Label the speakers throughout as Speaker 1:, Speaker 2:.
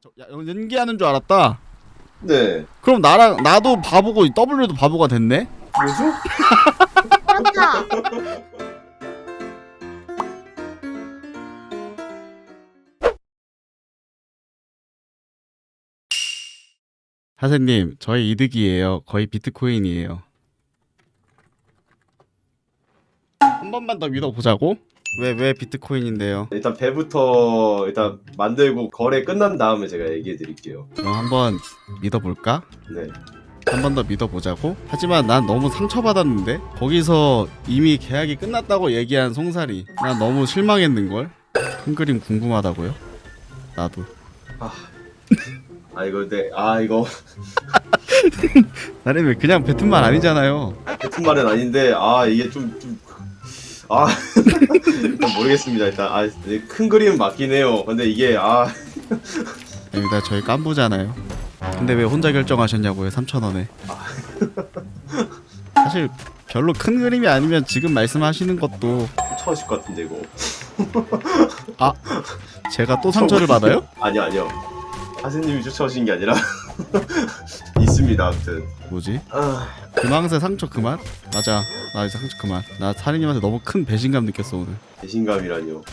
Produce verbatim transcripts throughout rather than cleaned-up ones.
Speaker 1: 저, 야, 연기하는 줄 알았다.
Speaker 2: 네.
Speaker 1: 그럼 나랑 나도 바보고 W도 바보가 됐네.
Speaker 2: 뭐죠?
Speaker 3: 그렇다.
Speaker 1: 하세님, 저희 이득이에요. 거의 비트코인이에요. 한 번만 더 믿어보자고? 왜, 왜 비트코인인데요?
Speaker 2: 일단 배부터 일단 만들고 거래 끝난 다음에 제가 얘기해 드릴게요.
Speaker 1: 그럼 한번 믿어볼까?
Speaker 2: 네.
Speaker 1: 한 번 더 믿어보자고? 하지만 난 너무 상처받았는데? 거기서 이미 계약이 끝났다고 얘기한 송사리. 난 너무 실망했는걸? 큰 그림 궁금하다고요? 나도.
Speaker 2: 아, 아 이거 네. 아 이거
Speaker 1: 나는 왜 그냥 뱉은 말 아니잖아요.
Speaker 2: 같은 말은 아닌데 아 이게 좀 좀 아 일단 모르겠습니다. 일단 아 큰 그림은 맞긴 해요. 근데 이게 아
Speaker 1: 여기다 저희 깐부잖아요. 근데 왜 혼자 결정하셨냐고요? 삼천 원에. 사실 별로 큰 그림이 아니면 지금 말씀하시는 것도
Speaker 2: 쫓아오실 것 같은데 이거.
Speaker 1: 아 제가 또 상처를 받아요?
Speaker 2: 아니요 아니요. 하세님이 쫓아오신 게 아니라 있습니다. 아무튼.
Speaker 1: 뭐지?
Speaker 2: 아
Speaker 1: 금왕새 상처 그만? 맞아 나 이제 상처 그만. 나 사리님한테 너무 큰 배신감 느꼈어 오늘.
Speaker 2: 배신감이라뇨.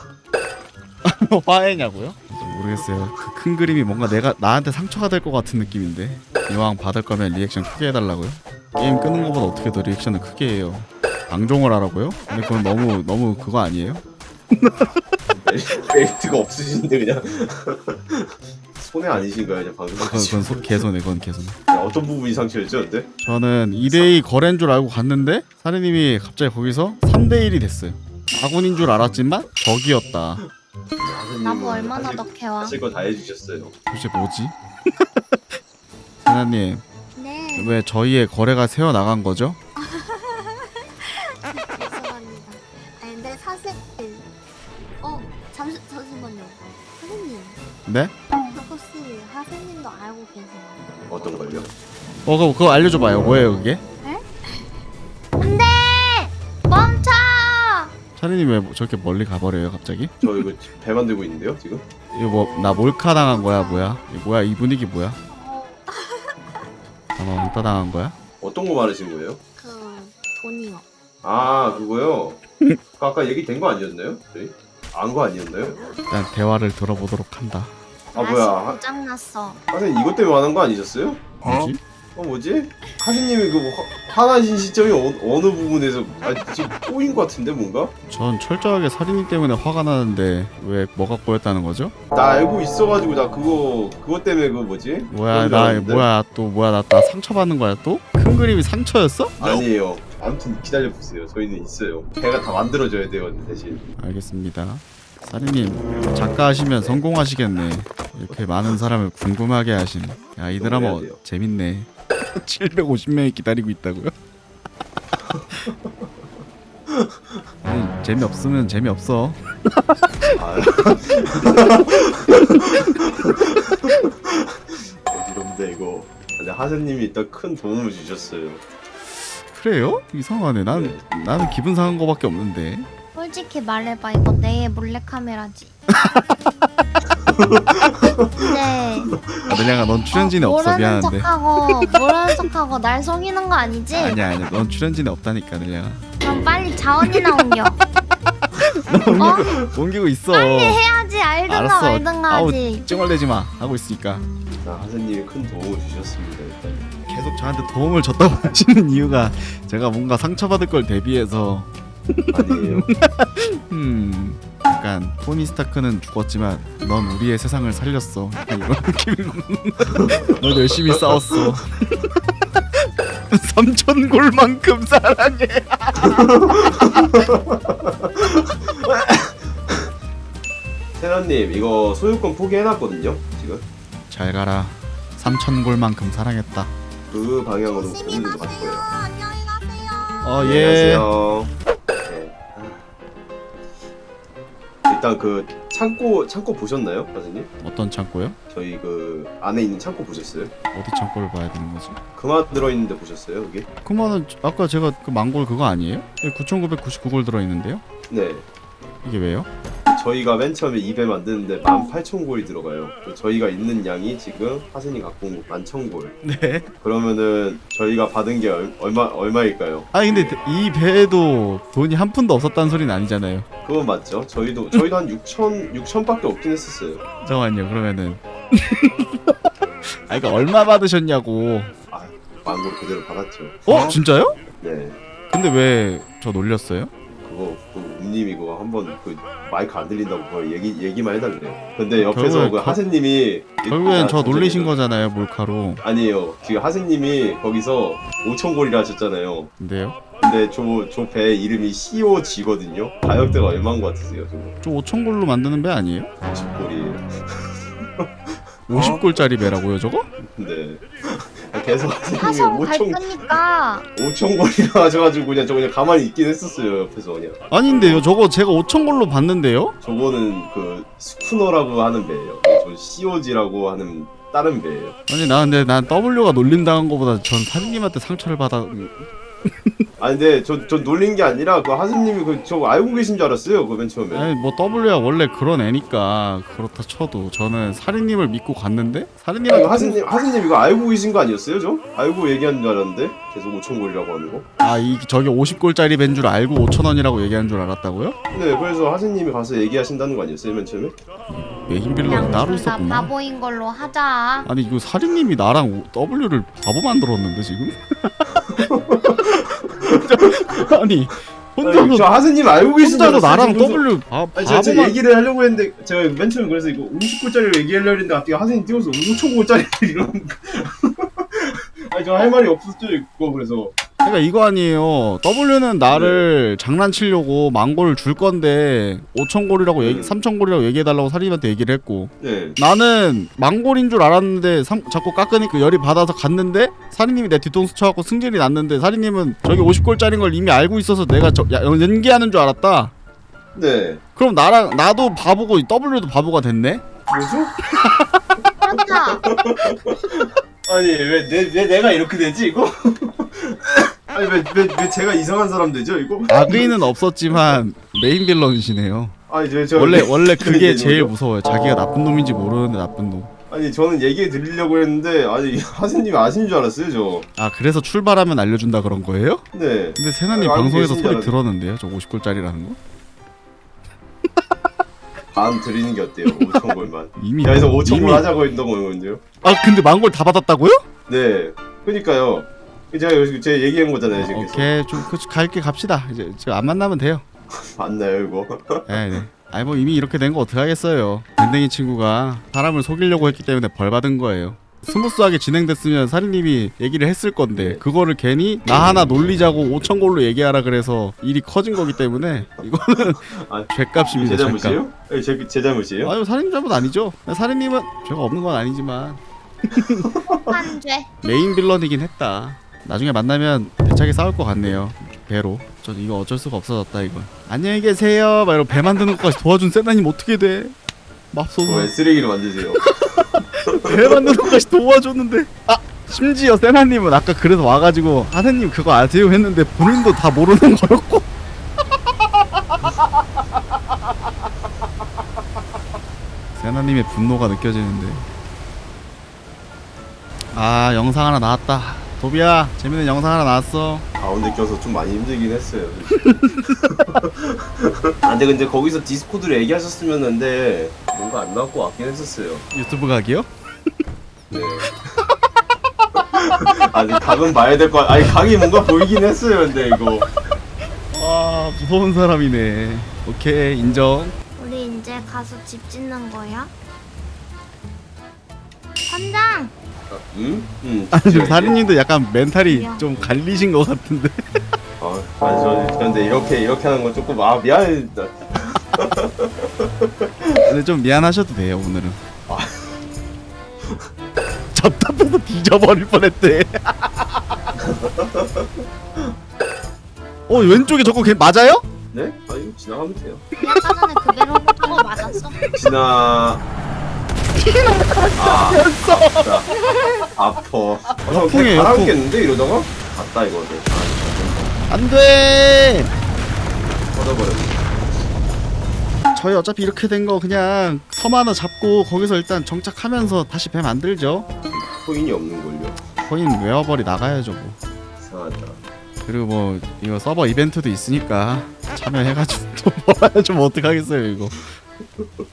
Speaker 1: 화해냐고요? 모르겠어요. 그 큰 그림이 뭔가 내가 나한테 상처가 될 것 같은 느낌인데. 이왕 받을 거면 리액션 크게 해달라고요? 게임 끄는 것보다 어떻게 더 리액션을 크게 해요? 방종을 하라고요? 근데 그건 너무 너무 그거 아니에요?
Speaker 2: 메리트가 없으신데 그냥 손해 아니신가요? 그냥 방금
Speaker 1: 그건, 그건 소, 개손해 그건 개손해.
Speaker 2: 어떤 부분이 상처였죠, 근데?
Speaker 1: 저는 이 대 이 거래인 줄 알고 갔는데 사리님이 갑자기 거기서 삼 대 일이 됐어요. 아군인 줄 알았지만 적이었다.
Speaker 3: 나무 얼마나 더 캐와?
Speaker 2: 하실 거 다 해주셨어요.
Speaker 1: 도대체 뭐지? 사장님
Speaker 3: 네.
Speaker 1: 왜 저희의 거래가 새어 나간 거죠?
Speaker 3: 죄송합니다. 아니 근데 사실 어 잠시 잠시만요. 하세님
Speaker 1: 네?
Speaker 3: 혹시 하세님도 알고 계세요?
Speaker 2: 어떤 걸요?
Speaker 1: 어 그거, 그거 알려줘봐요. 뭐예요 그게?
Speaker 3: 안돼 멈춰.
Speaker 1: 사리님 왜 저렇게 멀리 가버려요 갑자기?
Speaker 2: 저 이거 배 만들고 있는데요, 지금?
Speaker 1: 이거 뭐 나 몰카 당한 거야 뭐야? 이거 뭐야 이 분위기 뭐야?
Speaker 3: 어,
Speaker 1: 아마 왕따 당한 거야?
Speaker 2: 어떤 거 말하신 거예요?
Speaker 3: 그 돈이요.
Speaker 2: 아, 그거요? 그 아까 얘기 된 거 아니었나요? 저희? 안 거 아니었나요?
Speaker 1: 일단 대화를 들어보도록 한다.
Speaker 2: 아, 뭐야. 하-
Speaker 3: 고장 났어.
Speaker 2: 하세님 이것 때문에 화난 거 아니셨어요?
Speaker 1: 뭐지?
Speaker 2: 어, 뭐지? 하세님이 그 뭐 화- 화나신 시점이 어, 어느 부분에서 아, 지금 꼬인 거 같은데, 뭔가?
Speaker 1: 전 철저하게 사리님 때문에 화가 나는데 왜 뭐가 꼬였다는 거죠?
Speaker 2: 나 알고 있어가지고 나 그거 그것 때문에 그 뭐지?
Speaker 1: 뭐야
Speaker 2: 그런 줄
Speaker 1: 나
Speaker 2: 알았는데.
Speaker 1: 뭐야 또 뭐야 나, 나 상처받는 거야 또? 큰 그림이 상처였어?
Speaker 2: 아니에요. 아무튼 기다려 보세요. 저희는 있어요. 배가 다 만들어져야 돼요, 대신.
Speaker 1: 알겠습니다. 사리님 작가 하시면 성공하시겠네. 이렇게 많은 사람을 궁금하게 하시네. 야 이 드라마
Speaker 2: 해야 돼요.
Speaker 1: 재밌네. 칠백오십 명이 기다리고 있다고요? 아니, 재미없으면 재미없어.
Speaker 2: 아. 어지럽네 이거. 근데 하세님이 일단 큰 도움을 주셨어요.
Speaker 1: 그래요? 이상하네. 난
Speaker 2: 네.
Speaker 1: 나는 기분 상한 거밖에 없는데.
Speaker 3: 솔직히 말해봐 이거 내 몰래카메라지. 네.
Speaker 1: 아, 내가 넌 출연진에
Speaker 3: 어,
Speaker 1: 없어.
Speaker 3: 모르는
Speaker 1: 미안한데.
Speaker 3: 척하고 모르는 척하고 날 속이는 거 아니지?
Speaker 1: 아니야 아니야. 넌 출연진에 없다니까 내가.
Speaker 3: 그럼 빨리 자원이나 옮겨. 어?
Speaker 1: 옮기고 있어.
Speaker 3: 빨리 해야지. 알든가
Speaker 1: 알았어.
Speaker 3: 말든가
Speaker 1: 아우
Speaker 3: 하지.
Speaker 1: 찡얼대지 마. 하고 있으니까.
Speaker 2: 자, 하세님이 큰 도움을 주셨습니다. 일단.
Speaker 1: 계속 저한테 도움을 줬다고 하시는 이유가 제가 뭔가 상처받을 걸 대비해서
Speaker 2: 아니에요.
Speaker 1: 음 약간 토니 스타크는 죽었지만 넌 우리의 세상을 살렸어. 약간 이런 느낌이고 넌 열심히 싸웠어. 삼천 골만큼 사랑해.
Speaker 2: 세라님 이거 소유권 포기해놨거든요. 지금
Speaker 1: 잘 가라. 삼천 골만큼 사랑했다.
Speaker 2: 그 방향으로 고민을 갈 거예요.
Speaker 3: 안녕히 가세요.
Speaker 1: 어 예.
Speaker 2: 안녕하세요. 네. 아. 일단 그 창고 창고 보셨나요, 선생님?
Speaker 1: 어떤 창고요?
Speaker 2: 저희 그 안에 있는 창고 보셨어요?
Speaker 1: 어디 창고를 봐야 되는 거지?
Speaker 2: 그만 들어있는데 보셨어요, 여기?
Speaker 1: 그러면은 아까 제가 그 망골 그거 아니에요? 구천구백구십구 골 들어있는데요?
Speaker 2: 네.
Speaker 1: 이게 왜요?
Speaker 2: 저희가 맨 처음에 이 배 만드는데 만 팔천 골이 들어가요. 저희가 있는 양이 지금 하진이 갖고 온 만 천 골.
Speaker 1: 네.
Speaker 2: 그러면은 저희가 받은 게 얼, 얼마 얼마일까요?
Speaker 1: 아니 근데 이 배에도 돈이 한 푼도 없었다는 소리는 아니잖아요.
Speaker 2: 그건 맞죠. 저희도 저희도 한 육천 육천밖에 없긴 했었어요.
Speaker 1: 잠깐만요. 그러면은 아 이거 얼마 받으셨냐고.
Speaker 2: 아, 만 골 그대로 받았죠.
Speaker 1: 어? 진짜요?
Speaker 2: 네.
Speaker 1: 근데 왜 저 놀렸어요?
Speaker 2: 그거 그 웅님이 그거 한번 그 마이크 안 들린다고 그거 얘기 얘기만 해달래요. 근데 옆에서
Speaker 1: 결국엔
Speaker 2: 그
Speaker 1: 거-
Speaker 2: 하세님이
Speaker 1: 결국엔
Speaker 2: 아,
Speaker 1: 저 놀리신
Speaker 2: 잠시만요.
Speaker 1: 거잖아요. 몰카로.
Speaker 2: 아니에요. 지금 하세님이 거기서 오천 골이라 하셨잖아요.
Speaker 1: 근데요?
Speaker 2: 근데 저 저 배 이름이 씨오지거든요. 가격대가 얼마인 것 같으세요? 저거
Speaker 1: 저 오천 골로 만드는 배 아니에요?
Speaker 2: 오십 골이에요.
Speaker 1: 오십 골짜리 배라고요, 저거?
Speaker 2: 근데 계속 하세님이
Speaker 3: 화성 갈
Speaker 2: 오천
Speaker 3: 거니까
Speaker 2: 오천 골이라 하셔가지고 그냥 저 그냥 가만히 있긴 했었어요. 옆에서 그냥.
Speaker 1: 아닌데요. 저거 제가 오천 골로 봤는데요?
Speaker 2: 저거는 그 스쿠너라고 하는 배예요. 저 씨오지라고 하는 다른 배예요.
Speaker 1: 아니 나 근데 난 W가 놀림당한 거보다 전 사장님한테 상처를 받아.
Speaker 2: 아 근데 저 저 놀린 게 아니라 그 하스님이 그 저 알고 계신 줄 알았어요. 그 맨 처음에.
Speaker 1: 아니 뭐 W가 원래 그런 애니까 그렇다 쳐도 저는 사리님을 믿고 갔는데
Speaker 2: 아니,
Speaker 1: 사리님한테
Speaker 2: 하스님 하스님 이거 알고 계신 거 아니었어요, 저? 알고 얘기한 줄 알았는데 계속 오천 골이라고 하는 거.
Speaker 1: 아이 저게 오십 골짜리 밴 줄 알고 오천 원이라고 얘기한 줄 알았다고요?
Speaker 2: 네, 그래서 하스님이 가서 얘기하신다는 거 아니었어요, 맨 처음에?
Speaker 1: 메인 빌런이
Speaker 3: 그냥
Speaker 1: 따로
Speaker 3: 둘 다
Speaker 1: 있었구나.
Speaker 3: 바보인 걸로 하자.
Speaker 1: 아니 이거 사리님이 나랑 W를 바보 만들었는데 지금? 아니
Speaker 2: 아니, 저
Speaker 1: 혼자서
Speaker 2: 하스님 알고 계신 줄
Speaker 1: 혼자서
Speaker 2: 알았어요.
Speaker 1: 나랑
Speaker 2: 그래서-
Speaker 1: W 바,
Speaker 2: 아니, 제가, 제가
Speaker 1: 바보만
Speaker 2: 얘기를 하려고 했는데 제가 맨 처음에 그래서 이거 오십 골짜리로 얘기하려고 했는데 갑자기 하스님 띄워서 오천 골짜리 이런 아니 저 할 말이 없었죠 이거. 그래서
Speaker 1: 그러니까 이거 아니에요. W는 나를 장난치려고 만 골을 줄 건데 오천 골이라고 얘기,
Speaker 2: 음.
Speaker 1: 삼천 골이라고 얘기해달라고 사리님한테 얘기를 했고
Speaker 2: 네.
Speaker 1: 나는 만 골인 줄 알았는데 삼, 자꾸 깎으니까 열이 받아서 갔는데 사리님이 내 뒤통수 쳐갖고 승질이 났는데 사리님은 저기 오십 골짜리인 걸 이미 알고 있어서 내가 저, 야, 연기하는 줄 알았다.
Speaker 2: 네.
Speaker 1: 그럼 나랑 나도 바보고 W도 바보가 됐네?
Speaker 2: 뭐죠?
Speaker 3: 그렇다.
Speaker 2: 아니 왜, 내, 왜 내가 이렇게 되지 이거? 아니 왜, 왜, 왜 제가 이상한 사람 되죠 이거?
Speaker 1: 악의는 없었지만 메인 빌런이시네요.
Speaker 2: 아니 저, 저
Speaker 1: 원래 원래 그게
Speaker 2: 이게
Speaker 1: 제일
Speaker 2: 뭐죠?
Speaker 1: 무서워요. 자기가 나쁜 놈인지 모르는데 나쁜 놈.
Speaker 2: 아니 저는 얘기 드리려고 했는데 아니 하스님이 아신 줄 알았어요 저.
Speaker 1: 아 그래서 출발하면 알려준다 그런 거예요?
Speaker 2: 네.
Speaker 1: 근데 세나님
Speaker 2: 알고
Speaker 1: 방송에서
Speaker 2: 계신 줄
Speaker 1: 소리
Speaker 2: 알았는데.
Speaker 1: 들었는데요? 저 오십 골짜리라는 거?
Speaker 2: 반 드리는 게 어때요? 오천 골만.
Speaker 1: 이미
Speaker 2: 야, 그래서 오천 골
Speaker 1: 이미-
Speaker 2: 하자고 했던 거거든요.
Speaker 1: 아 근데 만 골 다 받았다고요?
Speaker 2: 네. 그니까요. 제가 여기서 제가 얘기한 거잖아요 지금.
Speaker 1: 오케이 좀 그, 갈게 갑시다. 이제 지금 안 만나면 돼요.
Speaker 2: 맞나요 이거?
Speaker 1: 네네. 아니 뭐 이미 이렇게 된 거 어떡하겠어요. 밴댕이 친구가 사람을 속이려고 했기 때문에 벌 받은 거예요. 스무스하게 진행됐으면 사리님이 얘기를 했을 건데 그거를 괜히 나 하나 놀리자고 오천 골로 얘기하라 그래서 일이 커진 거기 때문에 이거는
Speaker 2: 아,
Speaker 1: 죄값입니다.
Speaker 2: 제
Speaker 1: 죄값.
Speaker 2: 잘못이에요? 네, 제, 제 잘못이에요?
Speaker 1: 아유 사리님 잘못 아니죠. 사리님은 죄가 없는 건 아니지만
Speaker 3: 한 죄.
Speaker 1: 메인 빌런이긴 했다. 나중에 만나면 대차게 싸울 것 같네요. 배로. 전 이거 어쩔 수가 없어졌다 이건. 안녕히 계세요. 막 이러고 배 만드는 것까지 도와준 세나님 어떻게 돼? 맙소사.
Speaker 2: 왜 쓰레기를 만드세요?
Speaker 1: 배 만드는 것까지 도와줬는데. 아 심지어 세나님은 아까 그래서 와가지고 하세님 그거 아세요 했는데 본인도 다 모르는 거였고. 세나님의 분노가 느껴지는데. 아 영상 하나 나왔다. 도비야 재밌는 영상 하나 나왔어.
Speaker 2: 가운데 껴서 좀 많이 힘들긴 했어요. 아 근데 근데 거기서 디스코드로 얘기하셨으면 근데 뭔가 안 나올 것 같긴 했었어요.
Speaker 1: 유튜브 각이요?
Speaker 2: 네. 아니 각은 봐야 될 것 같... 아니 각이 뭔가 보이긴 했어요. 근데 이거
Speaker 1: 와 무서운 사람이네. 오케이 인정.
Speaker 3: 우리 이제 가서 집 짓는 거야? 선장.
Speaker 2: 아, 음? 음.
Speaker 1: 아니 지금 사리님도 약간 멘탈이
Speaker 3: 미안.
Speaker 1: 좀 갈리신 것 같은데.
Speaker 2: 아, 아니 저 근데 이렇게 이렇게 하는 건 조금 아 미안해.
Speaker 1: 근데 좀 미안하셔도 돼요 오늘은.
Speaker 2: 아.
Speaker 1: 답답해서 뒤져버릴 뻔했대. 어 왼쪽에 저거 걔 맞아요?
Speaker 2: 네? 아 이거 지나가면 돼요.
Speaker 3: 아까 전에 그 배로 저거 맞았어.
Speaker 2: 지나. 아, 아프다. 아퍼. 아,
Speaker 1: 역풍이에요, 역풍.
Speaker 2: 갈아먹겠는데 이러다가? 갔다 이거는. 아,
Speaker 1: 안돼.
Speaker 2: 뻗어버렸네.
Speaker 1: 저희 어차피 이렇게 된 거 그냥 섬 하나 잡고 거기서 일단 정착하면서 다시 배 만들죠.
Speaker 2: 코인이 없는걸요.
Speaker 1: 코인 웨어벌이 나가야죠 뭐.
Speaker 2: 이상하다.
Speaker 1: 그리고 뭐 이거 서버 이벤트도 있으니까 참여해가지고 돈 벌어야죠 뭐 어떡하겠어요 이거.